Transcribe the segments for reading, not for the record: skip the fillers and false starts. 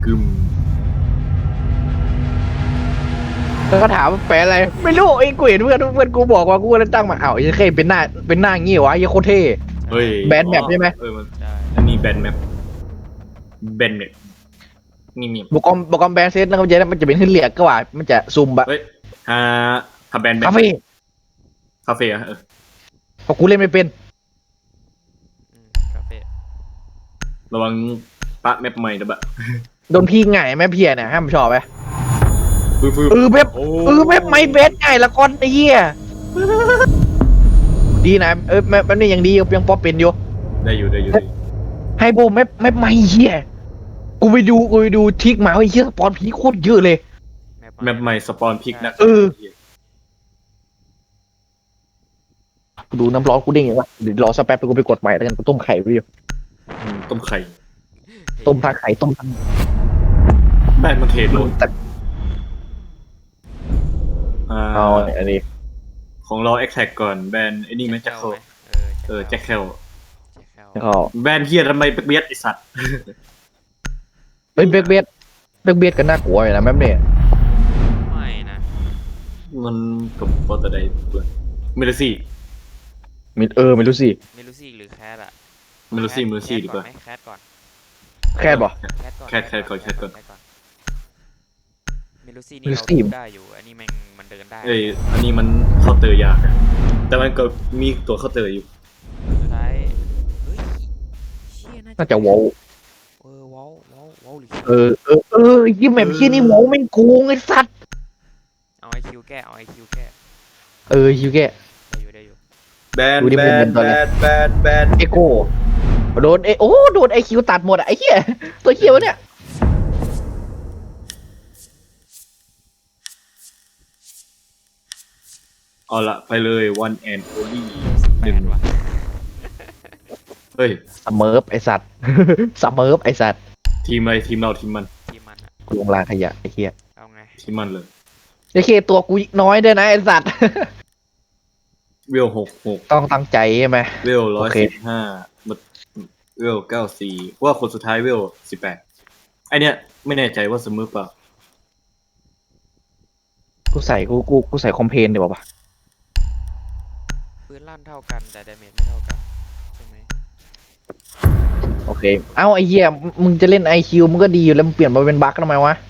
กึมแล้วก็ถามว่าแปลอะไรไม่รู้ไอ้กูเห็นเพื่อนกูบอกว่ากูเลยตั้งมาไอ้เคเป็นหน้างี้วะไอ้โคตรเท่เฮ้ยแบนแมปใช่ไหมมันใช่อันนี้แบนแมปแบนแมปนี่มีบอกอมแบนเซตนะครับมันจะเป็นขึ้นเหลียกก็ว่ามันจะซุ่มบะเฮ้ยถ้าแบนแมปคาเฟ่คาเฟ่อะเพราะกูเล่นไม่เป็นคาเฟ่ระวังปะแมปใหม่นะบะโดนพี่ง่ายแม่เพียเนี่ยห้ามชอบไหมฟื้นเว็บโอ้เว็บไม่เบสง่ายละก้อนไอ้เหี้ยดีนะแม่นี่ยังดียังป๊อปเป็นอยู่ได้อยู่ให้โบแม่ไม่เหี้ยกูไปดูทิกมาไอ้เหี้ยสปอนผีโคตรเยอะเลยแมปใหม่สปอนพิกนะกูดูน้ำร้อนกูเด้งอย่างวะเดี๋ยวรอสักแป๊บไปกูไปกดใหม่แล้วกันกูต้มไข่ไปอยู่ต้มไข่ต้มทาไข่ต้มทั้งแบนมันเทรดโหลดแต่เอาอันนี้ของเราแอคแท็กก่อนแบนไอ้นี่ไหมแจ็คเคลแจ็คเคลแล้วก็แบนเฮียทำไมเบียดไอสัตว์เฮ้ยเบกเบียดกันน่ากลัวอยู่นะแม่เนี่ยไม่นะมันกับปอตไดตัวเมลซี่ไม่รู้สิไม่รู้สิหรือแคทอะเมลซี่ดีกว่าแคทก่อนแค่บอกแคทก่อนไม่รู้สินี่เราดูได้อยู่อันนี้มันเดินได้อันนี้มันเคาน์เตอร์ยากอะแต่มันก็มีตัวเคาน์เตอร์อยู่สุดท้ายเฮ้ยเชี่ยน่าจะวอลว้าวหรือยี่แม่พี่นี่วอลแม่งโกงไอ้สัตว์เอาไอคิวแก้ฮิวแกได้อยู่แบนดูดิแบมันนเป็นตัวอะไรแบนเอโก้โดนโดนไอคิวตัดหมดอะไอ้เหี้ยตัวเหี้ยวะเนี่ยเอาละไปเลย one and only แปดว่ะเฮ้ยสเมิร์ฟไอสัตว์ สเมิร์ฟไอสัตว์ทีมอะไรทีมเราทีมมันทีมมันอะกูลงรางขยะไอ้เหี้ยเอาไงทีมมันเลยไอ้เคตัวกูน้อยด้วยนะไอสัตว์เวล66 ต้องตั้งใจใช่ไหมเวลโอเค 115เวล94ว่าคนสุดท้ายเวล18ไอเนี้ยไม่แน่ใจว่าเสมอเปล่ากูใส่คอมเพลนดีกว่าปะปืนลั่นเท่ากันแต่ดาเมจไม่เท่ากันใช่ไหมโอเคเอ้าไอ้เหี้ยมึงจะเล่นไอคิวมึงก็ดีอยู่แล้วมึงเปลี่ยนมาเป็นบั๊กทำไมวะ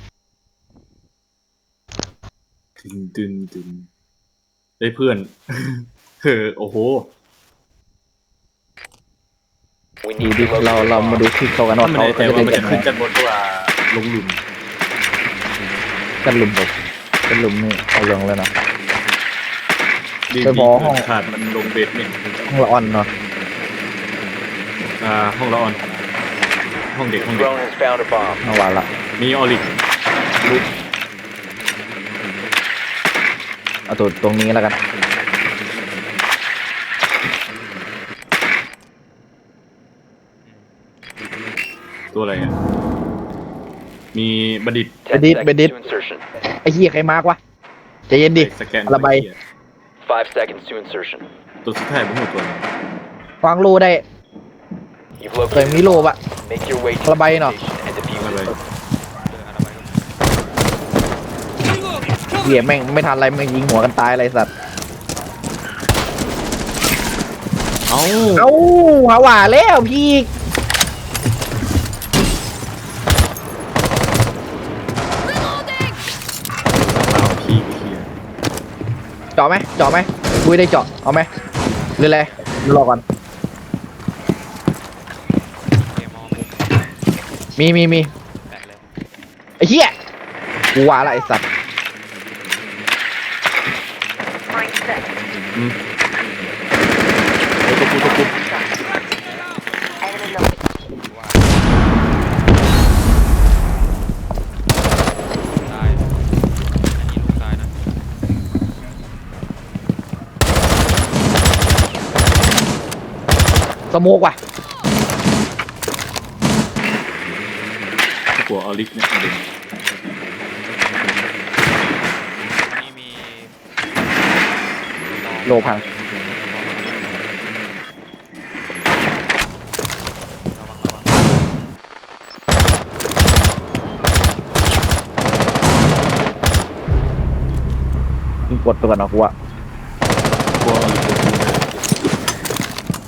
ตึนได้เพื่อน โอ้โหดูดิเรามาดูที่เขากันว่าไม่เขาแน่ใจจะว่าเล่นมันกัจะนขึ้นจันบนเพราะว่าลงหลุมกันลุมผมกันลุมนี่เอาลงแล้วนะดีไปบอกห้องขาดมันลงเบสเนี่ยห้องละออนเนาะห้องละออนห้องเด็ก Drone has found a bomb. ห้องวานละมีออริกเอาตัวตรงนี้แล้วกันตัวอะไรอ่ะมีบัณฑิต 10 Bedit, seconds Bedit. to insertion. ไอ้เหี้ยใครมากวะใจเย็นดิสแกนระบาย 5 seconds to insertion. ตัวสุดท้ายผมหัวตัววางโลได้ You've เคย located มีโลปะ Make your way to ระบายหน่อย the station and defuse อะไร it. เหี้ยแม่งไม่ทันอะไรแม่งยิงหัวกันตายอะไรสัตว์เอ้าเอ้าหาว่าแล้วพี่พี่เคลียร์เจาะไหมบุ้ยได้เจาะเอาไหมหรืออะไรรอก่อนเกมมองมีแปดเลยไอ้เหี้ยกูว่าละไอ้สัตว์อืมว่าตายอันนี้ลูกตายนะสโมกว่ะกลัวออริกเนี่ยเด่นนี่มีโลพังระวังกดไปก่อนนะกูอะกลัวมันอยู่ตรงกู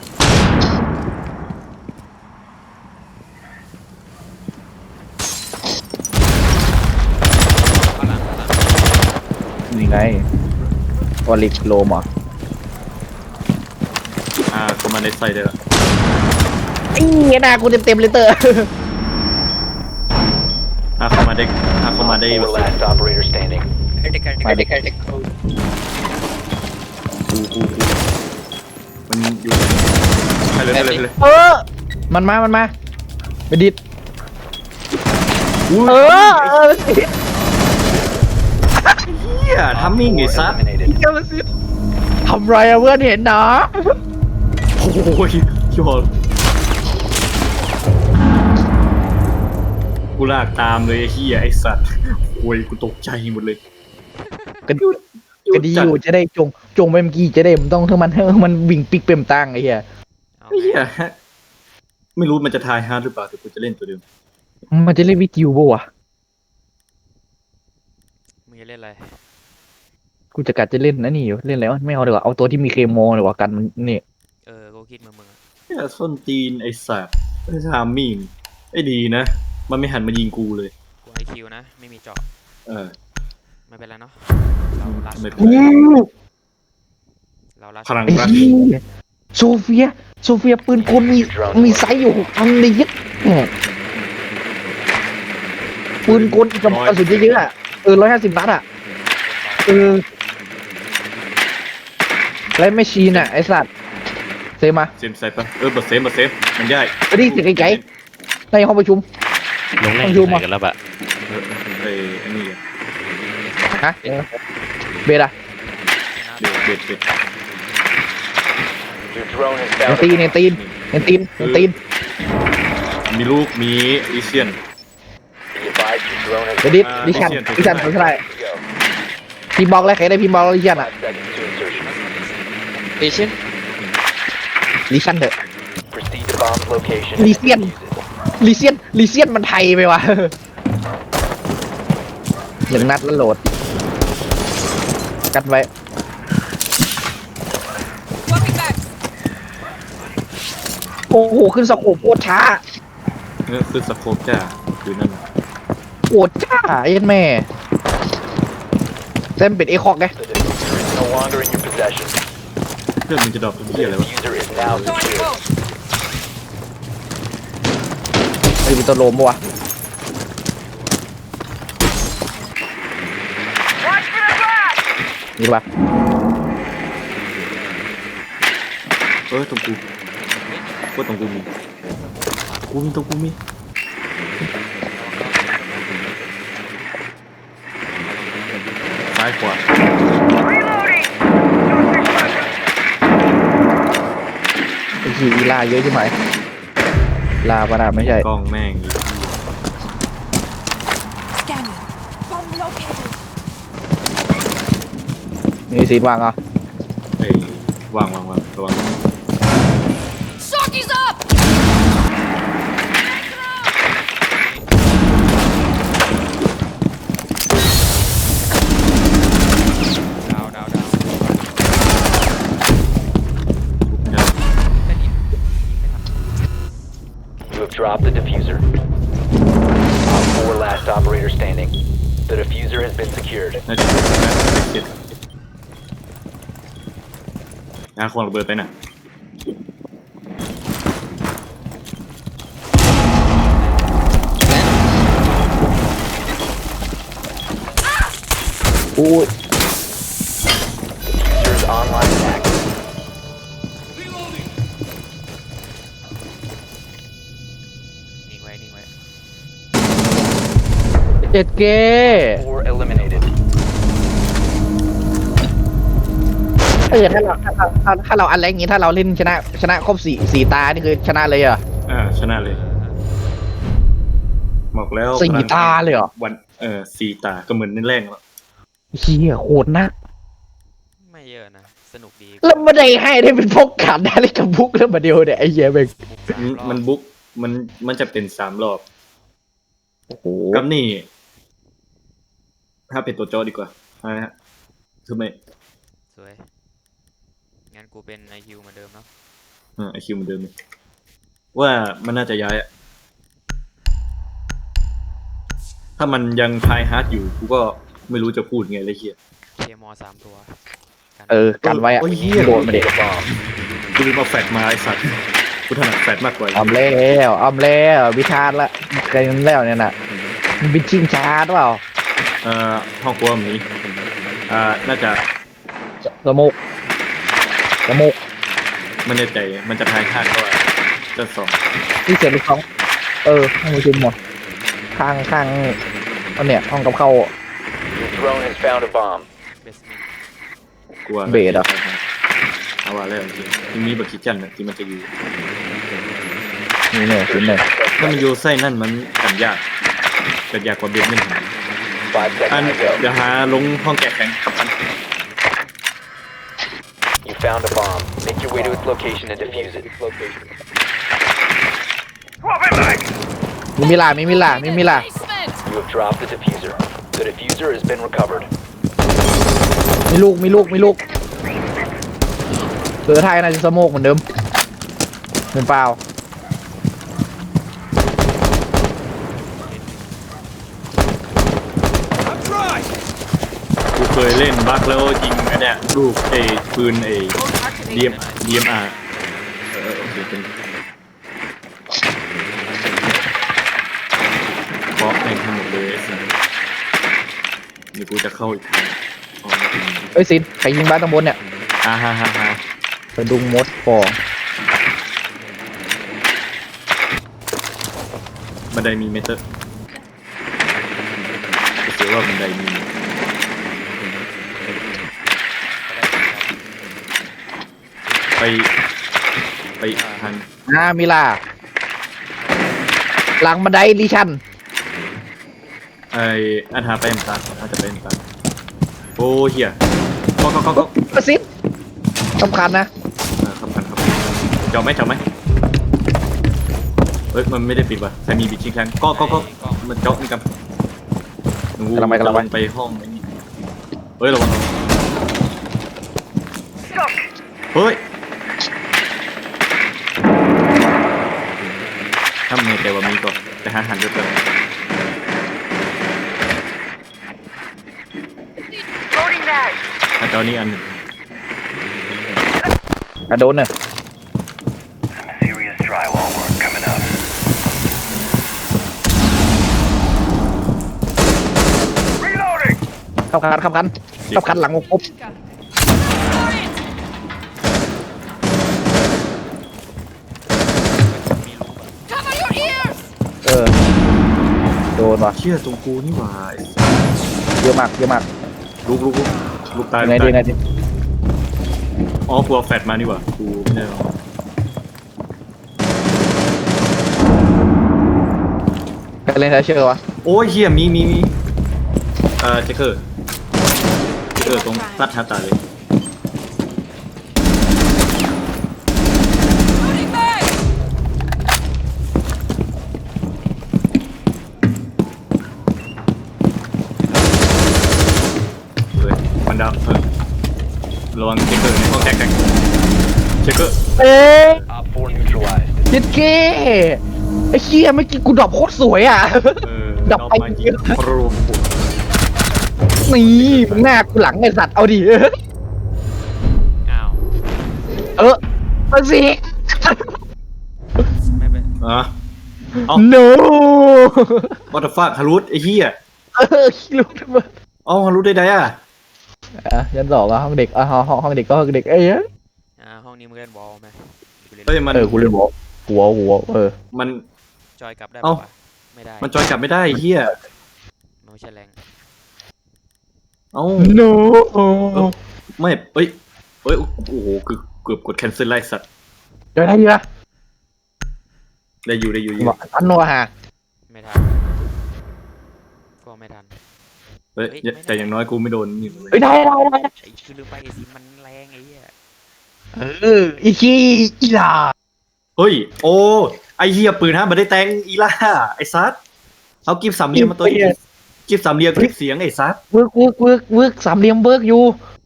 ข้างหลังข้างหลังนี่ไงวอลิกโลมเหรอเข้ามาในไซด์ได้ละไอ้เหี้ยหน้ากูเต็มเลยเตอร์เข้ามาได้เข้ามาได้ 4 last operator standing. มาเด็กมันอยู่ไปเลยไปเลยไปเลยมันมาไปดิดอุ้ยเออเหี้ยทำมิ่งไง 4 ซัด eliminated. ทำไรอะเพื่อนเห็นนะโอ้ยยอดกูลากตามเลยไอ้เหี้ยไอ้สัตว์โอ้ยกูตกใจหมดเลยก็ดีอยู่จะได้จงไปเมื่อกี้จะได้มันต้องมันวิ่งปิกเปมตังไอ้เหี้ยเอาไอ้เหี้ยไม่รู้มันจะทายฮาร์ดหรือเปล่าแต่กูจะเล่นตัวเดิมมันจะเล่นวิจิวบ่วะมึงจะเล่นอะไรกูจะกัดจะเล่นนะนี่อยู่เล่นอะไรวะไม่เอาดีกว่าเอาตัวที่มีเคมอดีกว่ากันมันนี่กูคิดมึงอะเหี้ยส้นตีนไอ้สัตว์ไอ้ทามมิ่งไอ้ดีนะ มันไม่หันมายิงกูเลยกูไอคิวนะ ไม่มีเจาะ ไม่เป็นไรเนาะ เราลัดไม่เป็นไรเราลัดพลังไอ้รักเหี้ยโซเฟียปืนกลมีไซส์อยู่อันนี้ยัดปืนกลกับกระสุนเยอะๆอะ150 นัดอะแล้วไม่ชีนอะไอสัตว์เซมาเซมใส่ปะเบอร์เซฟมันได้ไปดิเสียงไกลๆในห้องประชุมลงแรงอยู่ไหนกันแล้วบะไอ้อันนี้ฮะเบดอะเบ็ด Your drone has เน found ตีน a เนตีนเนตีนเนตีนมีลูกมีอีเซียน Be advised your drone has เดี๋ยวดิอ่าดิชัน Lucian ดิชันเท่าไหร่ go. พิมพ์บอกแล้วใครได้พิมพ์บอกแล้วดิชันอะ 5 seconds to insertion. เอเชียนดิชันเถอะ Proceed to bomb's location. Lucian. and defuse it. ลีเซียนมันไทยไปวะ 1 นัดแล้วโหลด กันไว้ โอ้โห ขึ้นสโคปโคตรช้าคือสโคปจ้าอยู่นั่นโคตรช้าไอ้แม่เซมเป็นเอคอกไง The diffuser is no longer in your possession. เพื่อนมึงจะดรอปเป็นเหี้ยอะไร The วะ diffuser is now secured. ไอ้เป็นตัวโลมปะวะนี่ปะตรงกูว่าตรงกูมีตรงกูมีซ้ายขวาไอ้ขี่อีลาเยอะใช่ไหมลาปะนะไม่ใช่กล้องแม่งอีก Scanning. Bomb located. นี่ซีดวางอ่ะไอ้วางระวัง Shock is up. ดาวเดี๋ยวเล่นอีกไม่ทัน You have dropped the diffuser. Op 4 last operator standing. The diffuser has been secured. น่าจะเจ็ดควงระเบิดไปน่ะโอ้ย Diffuser is online and active. นิ่งไว้เจ็ดเก้ 4 eliminated. ถ้าเราอันแรกอย่างงี้ถ้าเราเล่นชนะครบสี่ตานี่คือชนะเลยเหรอชนะเลยบอกแล้ว 4 ตาเลยเหรอวัน4 ตาก็เหมือนในแรกแล้วเฮียโคตรนักไม่เยอะนะ สนุกดีแล้วไม่ได้ให้ได้เป็นพกขันได้เลยกับบุกแล้วมาเดียวเนี่ยไอ้เหี้ยเบงบุก3 รอบมันบุ๊กมันจะเป็น3 รอบโอ้โหกับนี่ ถ้าเป็นตัวโจดีกว่านะฮะคือไม่สวยงั้นกูเป็นไอคิวเหมือนเดิมเนาะไอคิวเหมือนเดิมเลยว่ามันน่าจะย้ายอะถ้ามันยังทายฮาร์ดอยู่กูก็ไม่รู้จะพูดไงเลยเฮียเคมอ3 ตัวกันกันไว้อะโอ้ยเหี้ยโดนมาเด็กกูลืมเอาแฟดมาไอสัตว์กูถนัดแฟดมากกว่าอ้อมแล้ววิชาร์ดละกันแล้วเนี่ยน่ะมันเป็นชิงชาร์ดเปล่าห้องครัวแบบนี้น่าจะสมุกไม่แน่ใจมันจะทายฮาร์ดก็จะสองที่เสียลูกสองห้องประชุมหมดข้างอันเนี้ยห้องกับเข้า Your drone has found a bomb. เบสเมนต์กลัวเบสอะเอาว่าแล้วจริงที่มีบักคิดจันน่ะที่มันจะอยู่นี่เนี่ยชิ้นหนึ่งถ้ามันอยู่ไส้นั่นมันกันยากกว่าเบสไม่ถึง 5 อัน seconds to go. เดี๋ยวหาลงห้องแกะแข็งกับอัน You found a bomb. Make your way to its location and defuse it. มีมิลา Basement! You have dropped the diffuser. The diffuser has been recovered. มีลูกเสือไทยน่าจะสโมกเหมือนเดิมเป็นเปล่ากูเคยเล่นบัคแล้วยิงอันเนี้ยลูกปืนDMR โอเคเป็นบล็อกแม่งทั้งหมดเลยสิเดี๋ยวกูจะเข้าอีกทางอ๋อเอ้ยซินใครยิงบ้านตรงบนเนี่ยฮ่าไปดุงมดฟองบันไดมีเมเตอร์ก็เสียว่าบันไดมีไปทางมิลาหลังบันไดลิชันอันหาไปเอ็มตาอาจจะไปเอ็มตาโอ้เหี้ยก็ซินสำคัญนะครับเจาะไหมเฮ้ยมันไม่ได้ปิดว่ะใครมีบิดชิงแทงก็มันเจาะนี่กันกำลังไปห้องนี้เฮ้ยระวังเฮ้ยถ้ามึงแต่ว่ามีก็ไปหาหันด้วยกันถ้าเจาะนี่อันหนึ่งโดนเนี่ย Serious drywall work coming up. ขับคันหลังปุ๊บ Cover your ears! โดนว่ะเชี่ยตรงกูนี่หว่าเยอะมากลูกตายยังไงดีอ๋อกลัวแฟดมานี่หว่ากูไม่ได้หรอกกันเล่นไทเชอร์วะโอ้ยเฮียมีเจคเกอร์ตรงตัดหาตาเลย Loading bag! เฮ้ยมันดาวระวังเจคเกอร์ในห้องแท็กเจคเกอร์ Op 4 neutralized. จิตเก้ไอ้เชี่ยเมื่อกี้กูดรอปโคตรสวยอ่ะ ดับไปมายิงโปรนี่มึงหน้ากูหลังไอ้สัตว์เอาดิอ้าวมาสิไม่เป็นอ่ะ no what the fuck ฮารุไอ้เหี้ยคิดรู้ทำไมฮารุได้อ่ะยันสองห้องเด็กห้องเด็กก็ห้องเด็กเอ้ยห้องนี้มึงเล่นบอลไหมกูเล่นเฮ้ยมันกูเล่นหัวมันจอยกลับได้เอ้าปะวะไม่ได้มันจอยกลับไม่ได้ไอ้เหี้ยมันไม่ใช่แรงเอ้า no ไม่เอ้ยโอ้โหคือเกือบกด cancel ไล่สัตว์เดี๋ยวได้ดีละได้อยู่อันนัวฮะไม่ทันก็ไม่ทันเฮ้ยแต่อย่างน้อยกูไม่โดนนี่เฮ้ยได้ไอ้คือลืมไปไอ้สิมันแรงไอ้เหี้ยอีขี้อีหลาเฮ้ยโอ้ไอ้เหี้ยปืนฮะมันได้แตงอีล่าไอ้ซัดเอากิฟสามเหลี่ยมมาตัวกิฟสามเหลี่ยมคลิปเสียงไอ้ซัดเวิร์กสามเหลี่ยมเวิร์กอยู่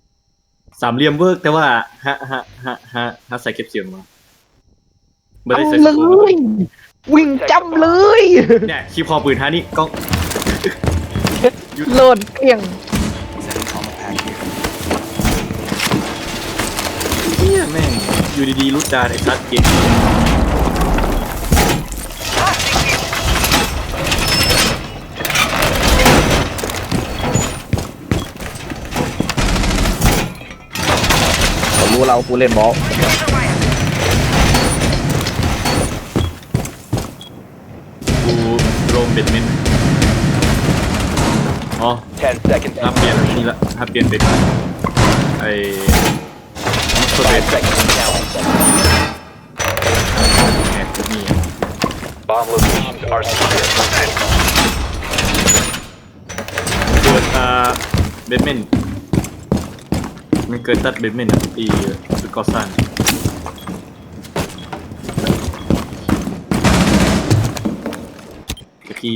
สามเหลี่ยมเวิร์กแต่ว่าฮะใส่เก็บเสียงมาไม่เอาได้ใส่เลสกู๊ปยวิ่งจำเลยเนี่ยคีบคอปืนฮะนี่กล้องโหลดเกลี้ยงเฮียแม่งอยู่ดีๆรุดดานไอ้ซัดเกมเขารู้เรากูเล่นบอลกูโรมเบ็ดเมนอ๋อ 10 seconds. ถ้าเปลี่ยนนี่ละถ้าเปลี่ยนเป็นไอ้ตัวเบ็ด 5 seconds to count. แหมนี่ Bomb locations are secure. เกิดเบดเมนมันเกิดตัดเบดเมนอ่ะอีสุดก่อสร้างเมื่อกี้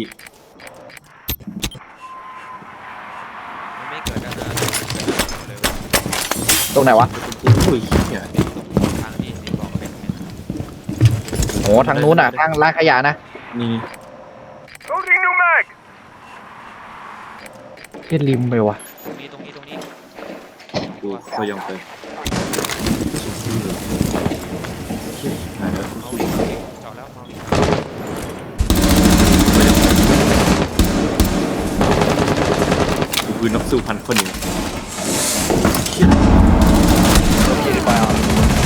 มันไม่เกิดแล้วนะเลยตรงไหนวะอุ้ยเหี้ยทางที่บอกเป็นโอ้ทางนู้นอ่ะทางร้านขยะนะนี่ Loading new mag. เฮ็ดริมไปวะตรงนี้กูก็ยอมไปเชี่ยหายแล้วเมาเจาะแล้วเมากูคือนักสู้พันคนหนึ่ง Located by op.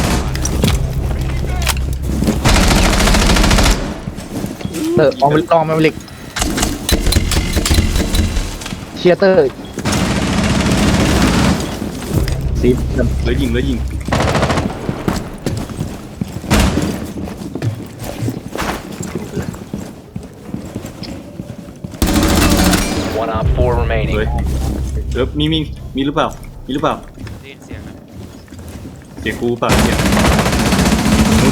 เตอร์ออมลองมาลิกเชียร์เตอร์สีแล้วยิง One op 4 remaining. เฮ้ยมีหรือเปล่าได้ยินเสียงนะเสียงกูเปล่าเนี่ยนู้น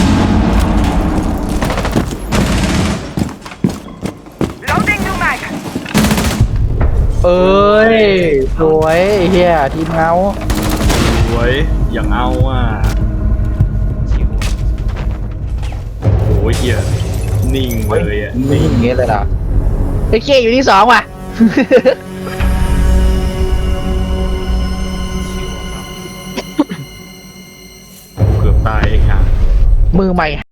Loading new mag. เอ้ยสวยเฮียทีมเงาสวยอย่างเอาอ่ะชิวโอ้ยเหี้ยนิ่งเลยอ่ะนี่อย่างเงี้ยเลยเหรอไอ้เคอยู่ที่สองว่ะเกือบตายไอ้ห่ามือใหม่